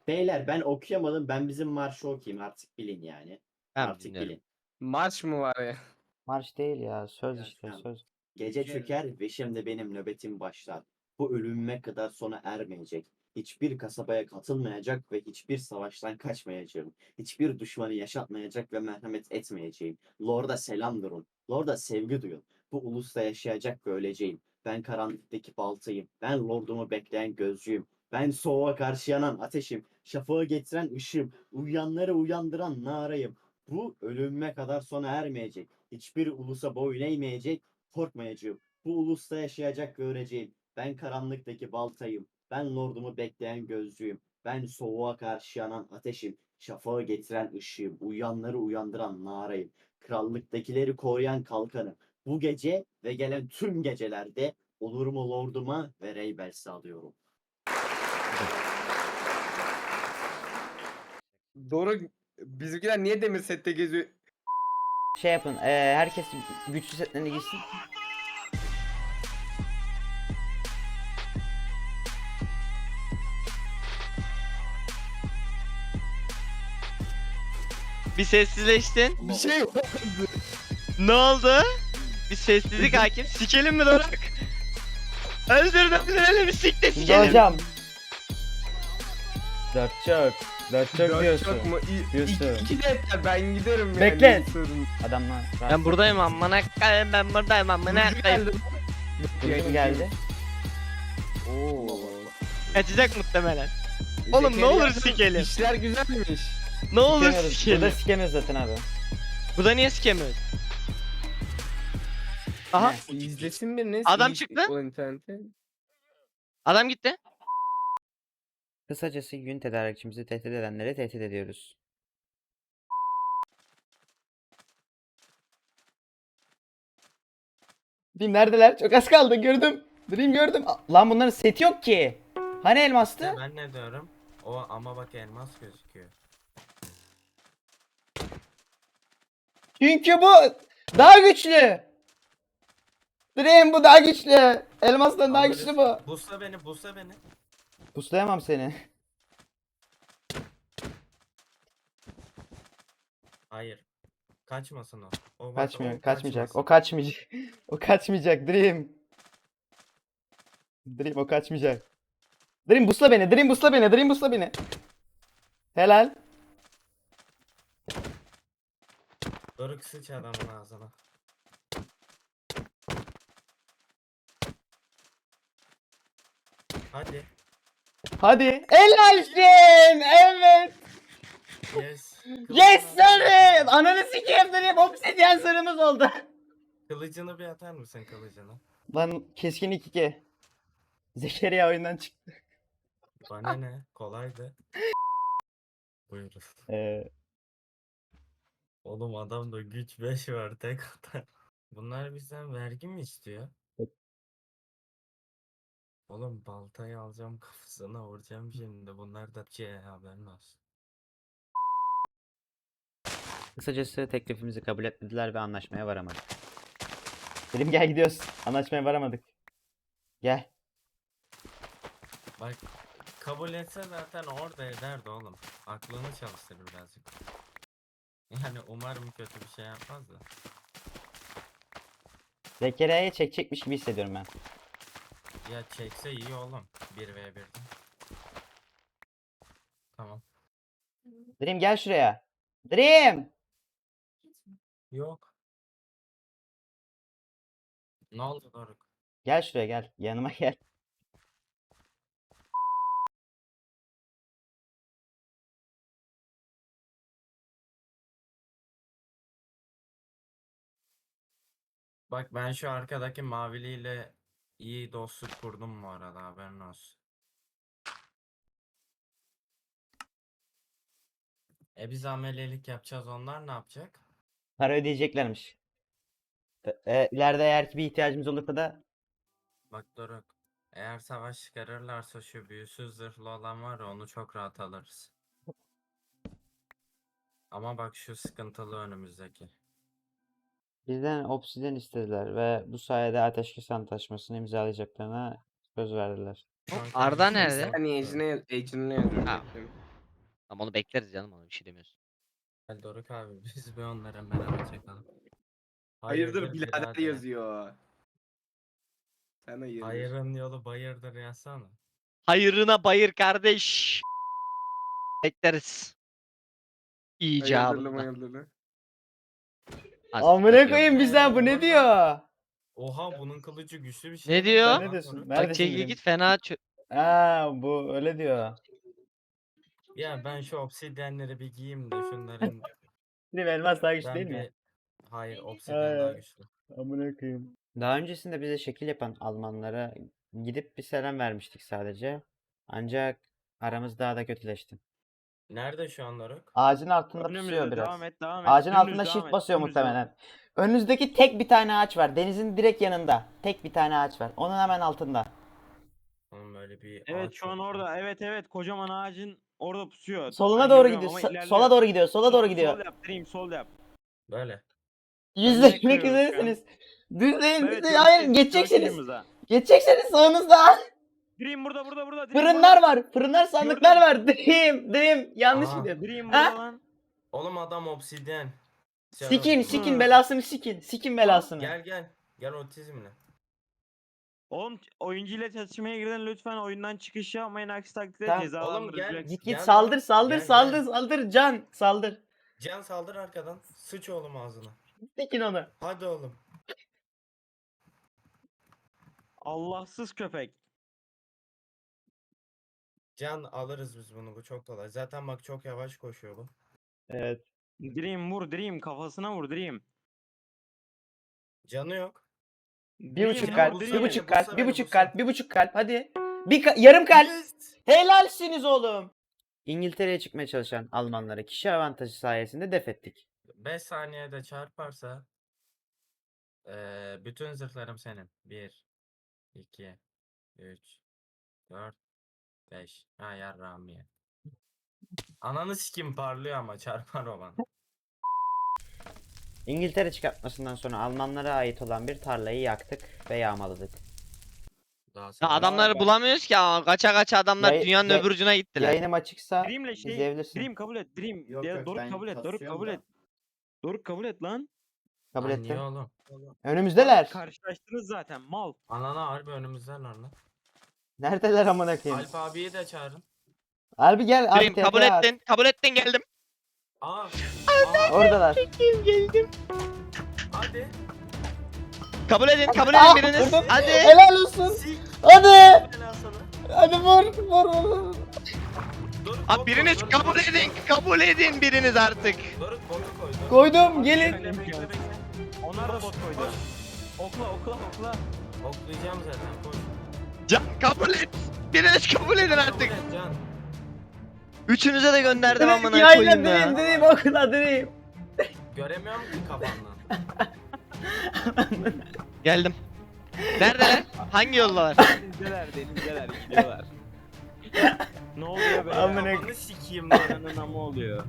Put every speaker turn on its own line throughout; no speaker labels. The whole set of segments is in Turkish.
Beyler ben okuyamadım. Ben bizim marşı okuyayım. Artık bilin yani.
Ben
Artık
dinlerim.
bilin.
Marş mı var ya?
Marş değil ya. Söz
Ya
işte
tamam.
söz.
Gece çöker ve şimdi benim nöbetim başlar. Bu ölümüme kadar sona ermeyecek. Hiçbir kasabaya katılmayacak ve hiçbir savaştan kaçmayacağım. Hiçbir düşmanı yaşatmayacak ve merhamet etmeyeceğim. Lord'a selam durun. Lord'a sevgi duyun. Bu ulusta yaşayacak ve öleceğim. Ben karanlıktaki baltayım. Ben Lord'umu bekleyen gözcüyüm. Ben soğuğa karşı yanan ateşim. Şafağı getiren ışığım. Uyuyanları uyandıran narayım. Bu ölümüme kadar sona ermeyecek. Hiçbir ulusa boyun eğmeyecek, korkmayacağım. Bu ulusta yaşayacak ve öleceğim. Ben karanlıktaki baltayım. Ben lordumu bekleyen gözcüyüm. Ben soğuğa karşı yanan ateşim. Şafağı getiren ışığım. Uyuyanları uyandıran narayım. Krallıktakileri koruyan kalkanım. Bu gece ve gelen tüm gecelerde olurumu lorduma ve Reybel sağlıyorum.
Doğru. Bizimkiler niye demir sette geziyor?
Şey yapın. Herkes güçlü setlerini giysin.
Bir sessizleştin.
Bir şey yok.
Ne oldu? Bir sessizlik hakim. Sikelim mi Doruk? Öldürelim mi sik de
Şimdi
sikelim.
hocam. Dört çok. Dört çok
Dört
diyorsun.
çok mu?
Diyorsun.
İki de yeter. Ben giderim yani.
Bekle.
Sorun.
Adamlar.
Ben buradayım amına koyayım, ben buradayım amına
Burcu
koyayım.
geldi.
Burcu geldi.
Oo.
Kaçacak muhtemelen. Oğlum, ne
Zekeriya,
olur sikelim.
İşler güzelmiş.
Ne olur
Sikemiyoruz.
sikelim.
Burada sikemiyoruz zaten abi.
Burada niye sikemiyoruz? Aha,
Ne?
İzlesin biriniz.
Adam
İyi-
çıktı.
O internette.
adam gitti.
Kısacası gün tedarikçimizi tehdit edenleri tehdit ediyoruz. Dream neredeler? Çok az kaldı gördüm. Dream gördüm. Lan bunların seti yok ki. Hani elmastı?
Ben ne diyorum? O ama bak elmas gözüküyor.
Çünkü bu daha güçlü. Dream bu daha güçlü. Elmastan daha
Alırız.
güçlü bu.
Busla beni, busla beni.
Puslayamam seni.
Hayır. Kaçmasın o. O bak,
Kaçmıyor,
o
kaçmayacak. O
kaçmasın.
kaçmayacak. O kaçmayacak Dream. Dream o kaçmayacak. Dream busla beni. Dream busla beni. Dream busla beni. Helal.
Doruk sıç adamın ağzına. Hadi.
Hadi. Helalsin. Evet.
Yes.
Yes sir. Ananı sikeyim Dream. Obsidian sırrımız oldu.
Kılıcını bir atar mısın kılıcını?
Lan keskin 2-2. Zekeriya oyundan çıktı.
Bana ne? Kolaydı. Buyurun. Oğlum adamda güç 5 var tek atar. Bunlar bizden vergi mi istiyor? Oğlum baltayı alacağım kafasına vuracağım şimdi. Bunlar da haberin olsun.
Kısacası teklifimizi kabul etmediler ve anlaşmaya varamadık. Dream gel gidiyoruz. Anlaşmaya varamadık. Gel.
Bak kabul etse zaten orada ederdi oğlum. Aklını çalıştır birazcık. Yani umarım kötü bir şey yapmaz da.
Zekeriya'yı çekecekmiş gibi hissediyorum ben.
Ya çekse iyi oğlum. 1v1'de. Tamam.
Dream gel şuraya. Dream!
Yok. Ne oldu Doruk?
Gel şuraya gel. Yanıma gel.
Bak ben şu arkadaki maviliyle iyi dostluk kurdum bu arada haberin olsun. Biz amelelik yapacağız, onlar ne yapacak?
Para ödeyeceklermiş. İleride eğer ki bir ihtiyacımız olursa da
Bak Doruk. Eğer savaş çıkarırlarsa şu büyüsüz zırhlı olan var ya, onu çok rahat alırız. Ama bak şu sıkıntılı önümüzdeki.
bizden obsidyen istediler ve bu sayede ateşkes antlaşmasını imzalayacaklarına söz verdiler.
Şu an
Arda
kardeşim
nerede?
yok.
Hani Ejin'e yazıyorum.
Ha.
bekliyorum.
Ama onu bekleriz canım, ona bir şey demiyoruz.
Gel Doruk abi biz bir onlara beraber çakalım.
Hayırdır birader
birader?
yazıyor. Sen hayırdır.
Hayırın yolu bayırdır yazsana.
Hayırına bayır kardeş. Bekleriz.
Hayırdırlı
İcabında.
hayırdır.
Amına koyayım bizden bu ne diyor?
Oha bunun kılıcı güçlü bir şey.
Ne
mi?
diyor?
Sen ne
Bak
diyorsun?
onu.
Bak
Neredesin
çekil
Dream?
git fena
Ha bu öyle diyor.
Ya ben şu obsidyenleri bir giyeyim de şunların
Dream elmas daha güçlü
ben
değil
bir...
mi?
Hayır obsidyen daha
Ay.
güçlü.
Amına koyayım. Daha öncesinde bize şekil yapan Almanlara gidip bir selam vermiştik sadece. Ancak aramız daha da kötüleşti.
Nerede şu an Doruk?
Ağacın altında
Önümüzde
pusuyor biraz.
devam et, devam et.
Ağacın
Dümdüz
altında
devam
shift
et,
basıyor
dümdüz devam et.
muhtemelen. Önünüzdeki tek bir tane ağaç var. Denizin direkt yanında. Tek bir tane ağaç var. Onun hemen altında.
Oğlum böyle bir
Evet
ağaç
şu an
yok ya.
orada. Evet kocaman ağacın orada pusuyor.
Soluna
Ben
doğru
görüyorum
gidiyor.
ama
Sola
ilerliyor.
doğru gidiyor. Sola doğru
Sol
gidiyor.
yap Dream, sol yap.
Böyle.
Yüzleşmek
kırıyoruz şu an.
üzeresiniz. Düzleyin.
Evet,
düzleyin. Hayır
görüşürüz,
geçeceksiniz.
görüşürüz ha.
Geçeceksiniz sağınızda.
Dream burada. Dream
Fırınlar
burada.
var. Fırınlar sandıklar var. Dream. Yanlış
Aha.
gidiyor.
Dream
Ha?
burada lan.
Oğlum adam obsidyen.
Sikin
Hı.
belasını sikin. Sikin belasını.
Gel gel. Gel otizmle.
Oğlum oyuncu ile çatışmaya giren lütfen oyundan çıkış yapmayın, aksi takdirde
Tamam.
cezalandırılacaksın.
Git
Gel
saldır
lan.
saldır
Gel,
saldır
gel.
saldır can saldır.
Can saldır arkadan. Sıç oğlum ağzına.
Sikin onu.
Hadi oğlum.
Allahsız köpek.
Can alırız biz bunu. Bu çok kolay. Zaten bak çok yavaş koşuyor bu.
Evet.
Dream vur Dream, kafasına vur Dream.
Canı yok.
Bir buçuk
Dream,
kalp,
vur,
bir
Dream.
buçuk
Bulsa
kalp, bir
beni,
buçuk
bulsa.
kalp, bir buçuk kalp. Hadi. Yarım kalp.
Yes!
Helalsiniz oğlum. İngiltere'ye çıkmaya çalışan Almanlara kişi avantajı sayesinde def ettik.
5 saniyede çarparsa bütün zırhlarım senin. 1 2 3 4 5. Ha yarrağım ye. Ananı sikim parlıyor ama çarpar o bana.
İngiltere çıkartmasından sonra Almanlara ait olan bir tarlayı yaktık ve yağmaladık.
Daha
Ya
sonra-
adamları bulamıyoruz ki ama kaça adamlar
Yay-
dünyanın
yay-
öbür ucuna gittiler.
Yayınım açıksa
Dream'le
izleyebilirsin.
Dream kabul et. Dream.
Yok,
Ya,
yok,
Doruk
ben
kabul et. Doruk
kasıyorum
kabul
da.
et. Doruk kabul et lan.
Kabul
Lan niye
ettim.
oğlum?
Önümüzdeler.
Karşılaştınız zaten mal.
Anana harbi önümüzden lan.
Neredeler amına koyayım?
Alp abiyi de çağırın.
Harbi gel abi
Dream kabul
TP at.
ettin. Kabul ettin, geldim.
Aa.
Oradalar.
Geldim.
Hadi.
Kabul edin
Aa,
biriniz.
vurdum.
Hadi.
Helal olsun.
Sik.
Hadi.
Helal sana.
Hadi vur.
Dur,
Abi biriniz kabul edin biriniz artık.
Doruk botu koy. Doruk.
Koydum gelin.
Bekle bekle bekle.
Onlar da
Koş,
bot koydu.
koş.
Okla.
Oklayacağım zaten koş.
Can kabul et. Biriniz kabul edin artık.
Kabul et Can.
Üçünüze de gönderdim amına
Yayla
koyayım ya.
Dream okula Dream.
Göremiyorum ki kafandan.
Geldim. Neredeler? Hangi yoldalar?
Denizdeler gidiyorlar. Ne oluyor be?
Amına-
Kafanı sikeyim lan.
Ananın amı oluyor.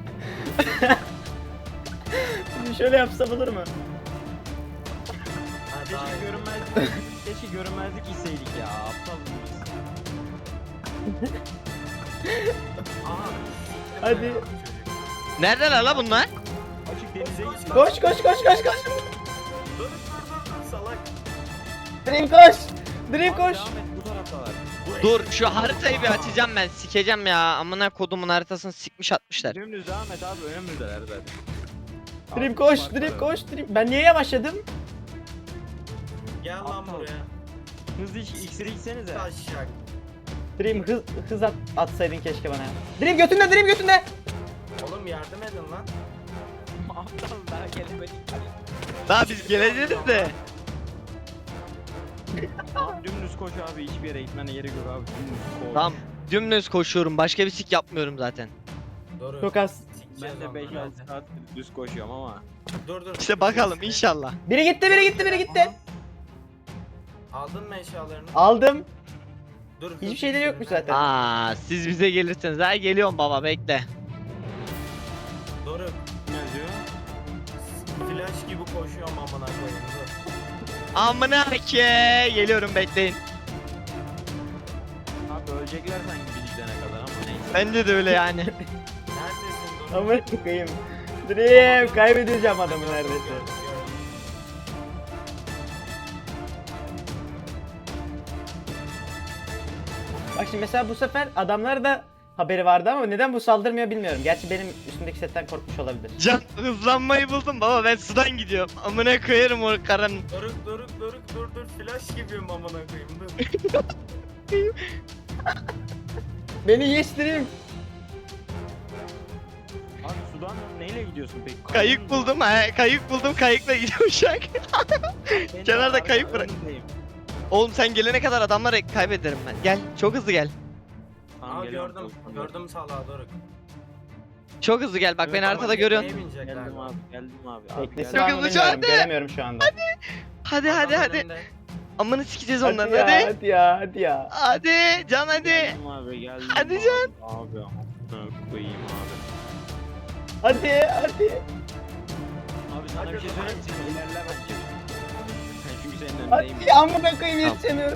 Şöyle yapsam olur mu?
Ha, daha
Keşke
iyi.
görünmezlik hisseydik ya. Aptal mıyız?
Aha.
Hadi.
Çocuk.
Neredeler la bunlar?
Açık denize git.
Koş.
Dur salak.
Dream koş. Dream
Abi
koş.
devam et, bu taraftalar.
Dur şu haritayı bir açacağım ben. Sikeceğim ya. Amına kodumun haritasını sikmiş atmışlar.
Dümdüz devam et abi, önümüzdeler zaten.
Dream koş. Dream. Ben niye yavaşladım?
Gel lan
Aptal.
buraya.
Hızlı iksiri içsenize.
Taşak.
Dream hız atsaydın keşke bana. Dream götünde.
Oğlum yardım edin lan.
Aptal daha gelemedik.
Daha biz geleceğiz de.
Abi dümdüz koş abi, hiçbir yere gitmene gerek yok abi. Dümdüz koş.
Tamam. Dümdüz koşuyorum. Başka bir sik yapmıyorum zaten.
Doğru.
Çok az.
Sikeceğiz
Ben de
onları,
5-6
hadi.
saat düz koşuyorum ama.
Dur.
İşte bakalım inşallah.
Biri gitti.
Aldın mı eşyalarını?
Aldım.
Dur.
Hiçbir şeyleri yokmuş zaten.
Aa, siz bize gelirseniz. Ha geliyorum baba, bekle.
Doruk.
Ne yazıyor?
Flash gibi koşuyorum amına koyayım dur.
Amına ke. Geliyorum, bekleyin.
Abi ölecekler sanki biz gidene kadar ama neyse.
Bence de öyle yani.
Neredesin Doruk?
Amına koyayım. Dream kaybedeceğim adamı neredeyse.
Gördüm.
Bak şimdi mesela bu sefer adamlar da haberi vardı ama neden bu saldırmıyor bilmiyorum. Gerçi benim üstümdeki setten korkmuş olabilir.
Can hızlanmayı buldum baba, ben sudan gidiyorum. Amına koyarım o karanın.
Doruk dur flash gibiyim amına koyayım dur.
Beni geçtireyim.
Abi sudan neyle gidiyorsun peki?
Kayık buldum, kayık buldum, kayıkla gidiyorum şu an. kenarda kayık bırak. Oğlum sen gelene kadar adamları kaybederim ben. Gel, çok hızlı gel.
Aa gördüm salağı Doruk.
Çok hızlı gel, bak
Evet,
beni
ama
haritada
tekneye
görüyorsun.
binecekler.
Geldim abi, geldim abi.
Teknesi
Çok
var mı
hızlı şu
bilmiyorum.
anda.
Göremiyorum şu anda.
Hadi hadi
Adam
hadi.
önünde.
Amını sikeceğiz
Hadi
onları,
ya,
hadi.
hadi ya, hadi ya.
Hadi, Can hadi.
Geldim abi, geldim.
Hadi
abi.
Can.
Abi amına koyayım abi.
Hadi, hadi.
Abi sana bir şey söyleyeyim mi? Sen ilerle bence. Çünkü senin önündeyim.
Hadi amına koyayım yetişemiyorum.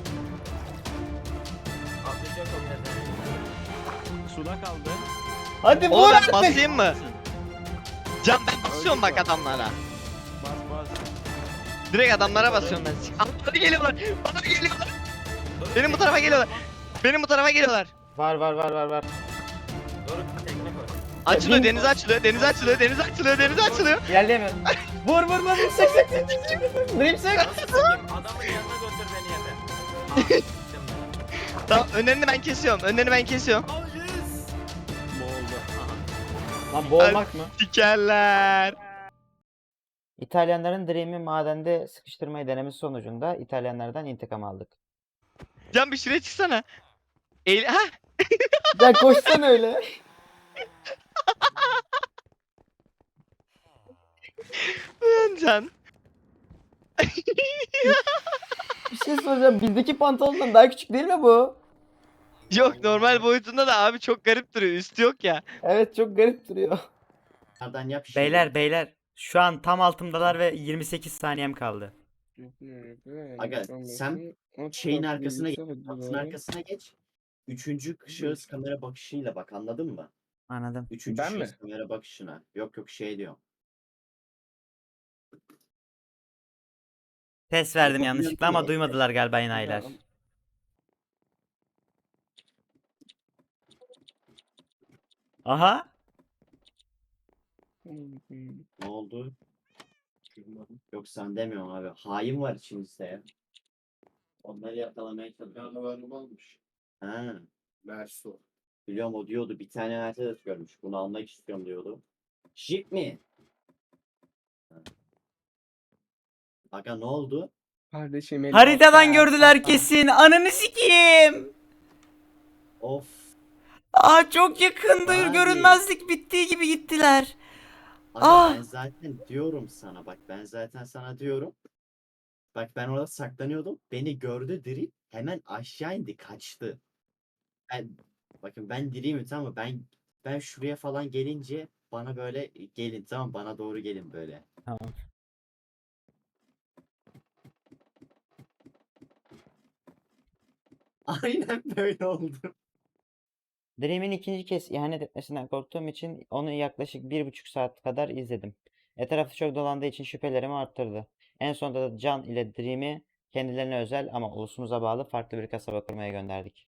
Atlayacak o pezevenk.
Suda kaldı.
Hadi vur
Oğlum ben
artık.
basayım mı? Can ben basıyorum bak adamlara.
Bas bas.
Direkt adamlara basıyorum ben. Hadi geliyorlar. Bana geliyorlar. Benim bu tarafa geliyorlar. Benim bu tarafa geliyorlar.
Var.
Doruk tekne koy.
Açılıyor,
bin-
deniz açılıyor, deniz açılıyor, deniz açılıyor, deniz açılıyor.
İlerleyemiyorum. Vur. Sık. Dream sık.
Nasıl sikeyim? Adamın yanına götür beni yeter. Aa, siktim beni.
Tamam, önlerini ben kesiyorum, önlerini ben kesiyorum.
Boğuldu. Aha.
Lan boğulmak mı?
Sikerler.
İtalyanların Dream'i madende sıkıştırmayı denemesi sonucunda İtalyanlardan intikam aldık.
Can bir şuraya çıksana. Ha?
Ya koşsan öyle.
Lan Can.
Bir şey soracağım. Bizdeki pantolondan daha küçük değil mi bu?
Yok, normal boyutunda da abi çok garip duruyor. Üstü yok ya.
Evet çok garip duruyor.
Nereden yap şimdi.
Beyler şu an tam altımdalar ve 28 saniyem kaldı.
Aga sen şeyin arkasına geç. Atın arkasına geç. Üçüncü şahıs kamera bakışıyla bak, anladın mı?
Anladım.
Üçüncü
Ben
şahıs
mi?
kamera bakışına. Yok şey diyor.
Ses verdim
Yapabiliyorum
yanlışlıkla ama
ki.
duymadılar galiba enayiler. Aha.
Ne oldu? Yok sen demiyorum abi. Hain var içimizde ya. Onları yakalamaya çalışıyorum.
olmuş.
Ha,
Verso.
biliyorum, o diyordu. Bir tane Mercedes görmüş. Bunu almak istiyorum diyordu. Jeep mi? Ha. Aga ne oldu?
Kardeşim el
Haritadan
bas ya.
gördüler kesin. Ananı sikeyim.
Of.
Aa çok yakındı.
Abi.
Görünmezlik bittiği gibi gittiler.
Aga
Ah!
ben zaten diyorum sana. Bak ben zaten sana diyorum. Bak ben orada saklanıyordum. Beni gördü diri. Hemen aşağı indi. Kaçtı. Bakın ben diriyim tamam mı? Ben şuraya falan gelince bana böyle gelin, tamam mı? Bana doğru gelin böyle.
Tamam.
Aynen böyle oldu.
Dream'in ikinci kez ihanet etmesinden korktuğum için onu yaklaşık 1,5 saat kadar izledim. Etrafı çok dolandığı için şüphelerimi arttırdı. En sonunda da Can ile Dream'i kendilerine özel ama ulusumuza bağlı farklı bir kasaba kurmaya gönderdik.